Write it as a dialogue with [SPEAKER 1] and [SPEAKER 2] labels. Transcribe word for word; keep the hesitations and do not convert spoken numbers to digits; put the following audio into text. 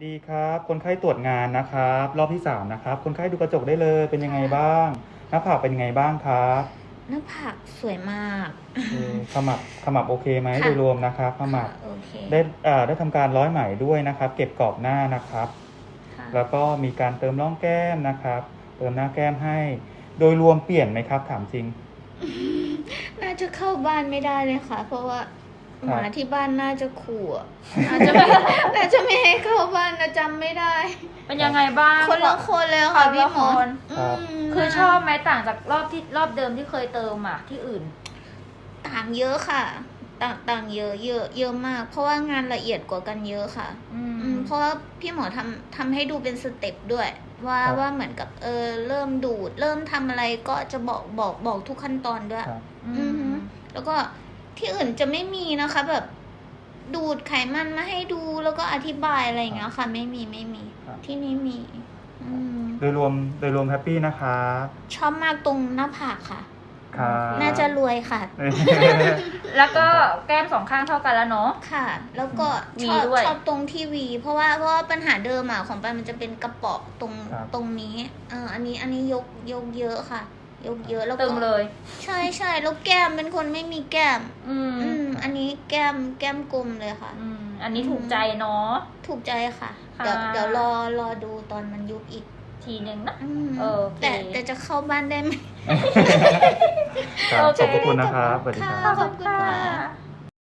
[SPEAKER 1] ดีครับคนไข้ตรวจงานนะครับรอบที่สามนะครับคนไข้ดูกระจกได้เลยเป็นยังไงบ้างหน้าผากเป็นยังไงบ้างครับ
[SPEAKER 2] หน้าผากสวยมาก
[SPEAKER 1] เออขมับขมับโอเคไหม
[SPEAKER 2] ค่ะ
[SPEAKER 1] โดยรวมนะครับขมับ
[SPEAKER 2] ค่ะโอเค
[SPEAKER 1] ได้อ่าได้ทำการร้อยไหมด้วยนะครับ เก็บกรอบหน้านะครับ
[SPEAKER 2] ค่ะ
[SPEAKER 1] แล้วก็มีการเติมร่องแก้มนะครับ เติมหน้าแก้มให้ โดยรวมเปลี่ยนไหมครับถามจริง
[SPEAKER 2] น่าจะเข้าบ้านไม่ได้เลยค่ะ เพราะว่า
[SPEAKER 1] ครับ
[SPEAKER 2] หมาที่บ้านน่าจะขู่อะน่าจะไม่ น่าจะไม่ให้เข้าบ้านนะจำไม่ได้
[SPEAKER 3] เป็นยังไงบ้าง
[SPEAKER 2] คนละคนเลยค่ะพี่หมอ
[SPEAKER 3] คนละคน
[SPEAKER 2] อืม
[SPEAKER 3] คือชอบไหมต่างจากรอบที่รอบเดิมที่เคยเติมอ่ะที่อื่น
[SPEAKER 2] ต่างเยอะค่ะ ต่างต่างเยอะเยอะเยอะมาก เพราะว่างานละเอียดกว่ากันเยอะค่ะ
[SPEAKER 3] อื
[SPEAKER 2] อื
[SPEAKER 3] ม
[SPEAKER 2] มเพราะว่าพี่หมอทำทำให้ดูเป็นสเต็ปด้วย ว่า
[SPEAKER 1] ครับ
[SPEAKER 2] ว่าเหมือนกับเออเริ่มดูด เริ่มทำอะไรก็จะบอกบอกบอกทุกขั้นตอนด้วย
[SPEAKER 1] ครับ
[SPEAKER 3] อื
[SPEAKER 2] อือฮึ
[SPEAKER 3] ม
[SPEAKER 2] แล้วก็ที่อื่นจะไม่มีนะคะ แบบดูดไขมันมาให้ดูแล้วก็อธิบายอะไรอย่างเงี้ยค่ะ ไม่มีไม่มี
[SPEAKER 1] ครับ
[SPEAKER 2] ที่นี่มี อืม
[SPEAKER 1] โดยรวมโดยรวมแฮปปี้นะครับ
[SPEAKER 2] ชอบมากตรงหน้าผากค่ะ
[SPEAKER 1] ครับ
[SPEAKER 2] น่าจะรวยค่ะ
[SPEAKER 3] แล้วก็แก้มสองข้างเท่ากันแล้วเนาะ
[SPEAKER 2] ค่ะ แล้วก็
[SPEAKER 3] วี
[SPEAKER 2] ชอบ
[SPEAKER 3] ด้วย
[SPEAKER 2] ชอบตรงที่วี เพราะว่าเพราะว่าปัญหาเดิมอ่ะของปันมันจะเป็นกระเปาะตรง
[SPEAKER 1] ครับ
[SPEAKER 2] ตรงนี้เอออันนี้อันนี้ยกยกเยอะค่ะ ยกเยอะแล้ว
[SPEAKER 3] ตึ
[SPEAKER 2] ก็
[SPEAKER 3] งเลย
[SPEAKER 2] ใช่ใช่แล้วแก้มเป็นคนไม่มีแก้ม
[SPEAKER 3] อืม
[SPEAKER 2] อืม อันนี้แก้มแก้มกลมเลยค่ะ
[SPEAKER 3] อืมอันนี้ถูกใจเนาะ
[SPEAKER 2] ถูกใจค่ะ
[SPEAKER 3] ค่ะ
[SPEAKER 2] เดี๋ยวเดี๋ยวรอรอดูตอนมันยุบอีก
[SPEAKER 3] ทีหนึ่งนะ
[SPEAKER 2] อืม
[SPEAKER 3] โอเค
[SPEAKER 2] แต่แต่จะเข้าบ้านได้ไหม
[SPEAKER 1] ครับ
[SPEAKER 3] โอเค
[SPEAKER 1] ขอบพระคุณนะครับสวัสดีครับ
[SPEAKER 2] ค่ะขอบคุณค่ะ